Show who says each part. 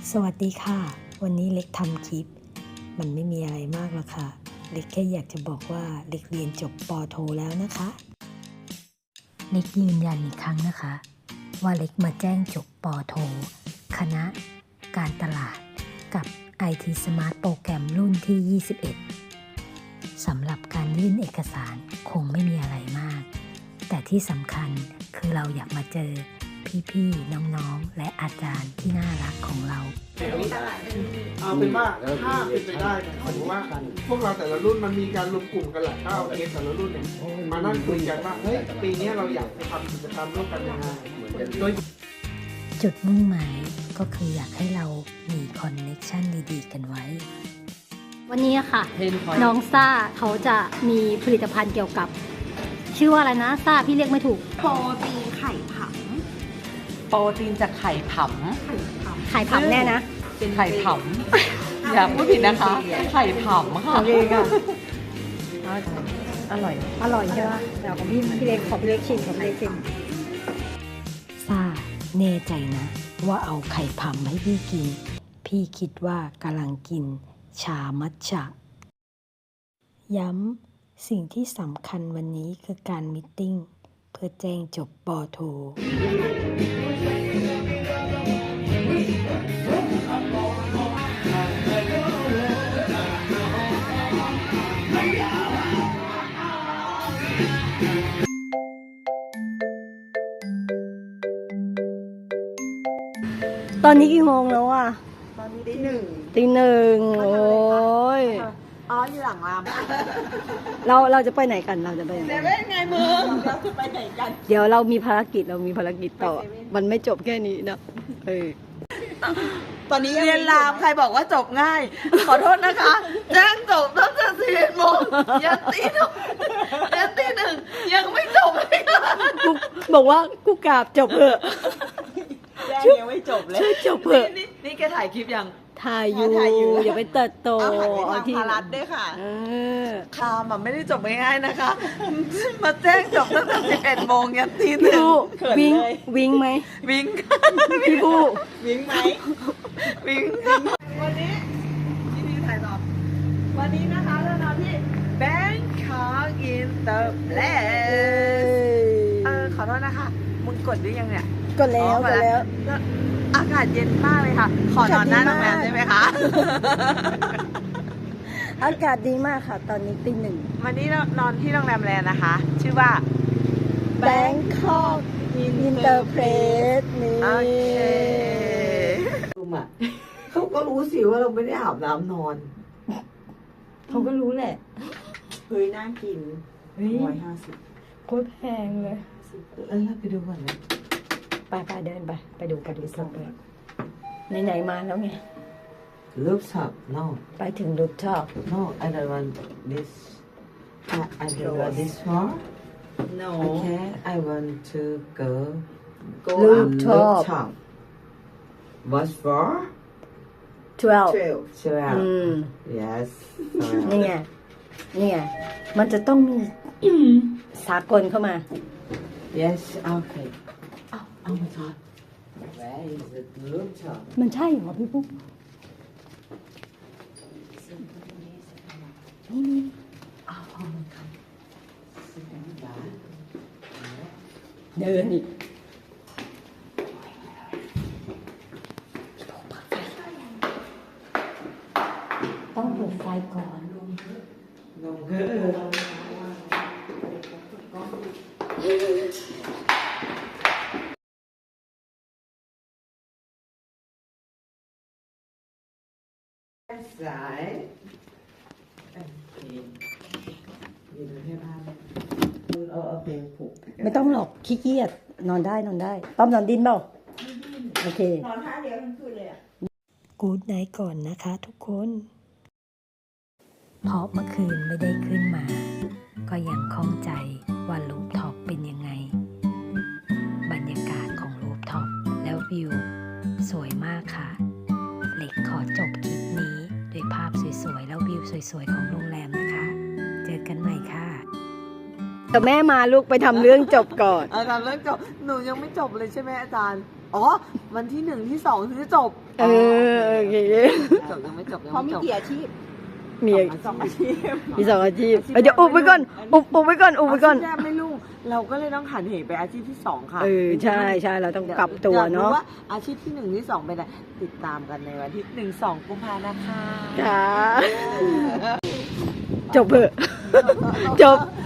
Speaker 1: สวัสดีค่ะวันนี้เล็กทำคลิปมันไม่มีอะไรมากหรอกค่ะเล็กแค่อยากจะบอกว่าเล็กเรียนจบป.โทแล้วนะคะเล็กยืนยันอีกครั้งนะคะว่าเล็กมาแจ้งจบป.โทคณะการตลาดกับ IT Smart โปรแกรมรุ่นที่ 21 สำหรับการยื่นเอกสารคงไม่มีอะไรมากแต่ที่สำคัญคือเราอยากมาเจอพี่ๆน้องๆและอาจารย์ที่น่ารักของเรา
Speaker 2: เอาเป็นว่าถ้าเป็นไปได้เนี่ยผมว่าพวกเราแต่ละรุ่นมันมีการรวมกลุ่มกันแหละถ้าเอาเคสแต่ละรุ่นเนี่ยมานั่งคุยกันว่าเฮ้ยปีนี้เราอยากจะทำกิจกรรมร่วมกันยังไงโดย
Speaker 1: จุดมุ่งหมายก็คืออยากให้เรามีคอนเนคชั่นดีๆกันไว้
Speaker 3: วันนี้ค่ะน้องซ่าเขาจะมีผลิตภัณฑ์เกี่ยวกับชื่อว่าอะไรนะซ่าพี่เรียกไม่ถูก
Speaker 4: โปรตีนไข่ผำ
Speaker 5: โปรตีนจากไข่ผำ
Speaker 3: ไข่ผำแน่นะ
Speaker 5: ไข่ผำอย่าพูดผิดนะคะ ไข่ผำค่ะ
Speaker 3: โอเคค่ะ
Speaker 5: อร่อย
Speaker 3: อร่อยใช่ไหมเดี๋ยวของพี่เล็กขอพี่เล็กชิมของพี่เล็กชิม
Speaker 1: ซ่าแน่ใจนะว่าเอาไข่ผำให้พี่กินพี่คิดว่ากำลังกินชามัทฉะย้ำสิ่งที่สำคัญวันนี้คือการมีตติ้งเพื่อแจ้งจบป.โท
Speaker 3: ตอนนี้กี่โมงแล้วอ่ะ
Speaker 4: ตอนนี้ได้หนึ่ง
Speaker 3: ตีหนึ่งโอ้ย
Speaker 4: อ๋ออยู่หลังราม
Speaker 3: เราจะไปไหนกันเราจะไปไหน
Speaker 4: เซเว่นไงมึงเราจะไปไหนกัน
Speaker 3: เดี๋ยวเรามีภารกิจต่อมันไม่จบแค่นี้นะ
Speaker 4: ตอนนี้
Speaker 5: เรียนรามใครบอกว่าจบง่าย ขอโทษนะคะ แจ้งจบตั้งแต่11 โมงยันตีหนึ่งยังไม่จบเลยค่ะ
Speaker 3: กูบอกว่ากูกราบจบเถอะ
Speaker 4: แจ้งยังไม่จบเลย
Speaker 3: ช่วยจบเถอะ
Speaker 5: นี่แกถ่ายคลิปยัง
Speaker 3: ถ่ายอยู่อย่าไปเติดโต
Speaker 4: เอาที่พารัดด้วยค่ะ
Speaker 5: คามอ่ะไม่ได้จบง่ายๆนะคะ มาแจ้งจบตั้งแต่11 โมงยันตีห
Speaker 3: พี่
Speaker 5: นึ่ง
Speaker 3: ผู้
Speaker 4: เขิน
Speaker 3: วิ่ง
Speaker 4: เลย
Speaker 3: วิ่งไหม
Speaker 5: วิ่ง
Speaker 3: พี่ผู้
Speaker 4: วิ่งไหม
Speaker 5: วิ่ง
Speaker 4: วันนี้ที่นี่ถ่ายต่อวันนี้นะคะเรานอนที่
Speaker 5: Bangkok Interplace ขอโทษนะคะ มึงกดหรือยังเนี่ย
Speaker 3: กดแล้วกดแล้ว
Speaker 5: อากาศเย็นมากเลยค่ะ ขอนอนหน้าโรงแรมได้ไหมคะ
Speaker 3: อากาศดีมากค่ะ ตอนนี้ตีหนึ่ง
Speaker 5: วันนี้เรานอนที่โรงแรมแลนด์นะคะ ชื่อว่า
Speaker 3: Bangkok Interplace นี่
Speaker 5: โอเค
Speaker 4: ลุมอ่ะเขาก็รู้สิว่าเราไม่ได้อาบน้ำนอน
Speaker 3: เขาก็รู้แหละ
Speaker 4: เฮ้ยน่ากิน150
Speaker 3: โคตรแพงเลย
Speaker 4: แล้วเราไปดูก่อนนะ
Speaker 3: ไปเดินไปดูสดเลยไหนๆมาแล้วไง
Speaker 4: Rooftop no
Speaker 3: ไปถึงรูปชอบ
Speaker 4: no I don't want this I don't want this one
Speaker 5: no
Speaker 4: okay I want to go
Speaker 3: Rooftop
Speaker 4: what for
Speaker 3: 12
Speaker 4: 12 yes
Speaker 3: นี่ไงมันจะต้องมีสากลเข้ามา
Speaker 4: yes okay oh my god where is the rooftop
Speaker 3: มันใช่เหรอพี่ปุ๊กนี่
Speaker 4: oh my god
Speaker 3: เดินอีกต้องเปิดไฟก่อน
Speaker 4: สายเอาเพลงผูก
Speaker 3: ไม่ต้องหรอกขี้เกียจนอนได้ต้อมนอนดินเปล่าโอเคน
Speaker 4: อนท่าเดียวทั้งคืนเลยอ่ะ
Speaker 1: กู๊ดไนท์ก่อนนะคะทุกคนเพราะเมื่อคืนไม่ได้ขึ้นมาก็ยังข้องใจว่ารูฟท็อปเป็นยังไงบรรยากาศของรูฟท็อปแล้ววิวสวยมากค่ะเล็กขอจบคลิปนี้ด้วยภาพสวยๆแล้ววิวสวยๆของโรงแรมนะคะเจอกันใหม่ค่ะ
Speaker 3: แต่แม่มาลูกไปทำเรื่องจบก่อน
Speaker 5: อาจารย์เรื่องจบ หนูยังไม่จบเลยใช่ไหมอาจารย์อ๋อ วันที่ 1 ที่ 2ถึงจะจบ
Speaker 3: โอเค
Speaker 5: จบยังไม่จบยัง
Speaker 4: เขา
Speaker 5: ไม่
Speaker 4: มี
Speaker 5: จบ
Speaker 4: กี่อาชีพ
Speaker 3: มี
Speaker 5: สองอาชีพ
Speaker 3: มี2อาชีพเดี๋ยวอุบไว้ก่อนอุบไว้ก่อนอุบไว้ก่อน
Speaker 5: อาชีพแรกไม่รู้เราก็เลยต้องหันเหไปอาชีพที่ 2 ค่ะ
Speaker 3: ใช่ใช่เราต้องปรับตัวเนาะ
Speaker 5: อยกรู้ว่าอาชีพที่ 1 ที่ 2 เป็นอะไรติดตามกันในวันที่ 1-2 กุมภานะคะ
Speaker 3: ค่ะจบเถอะจบ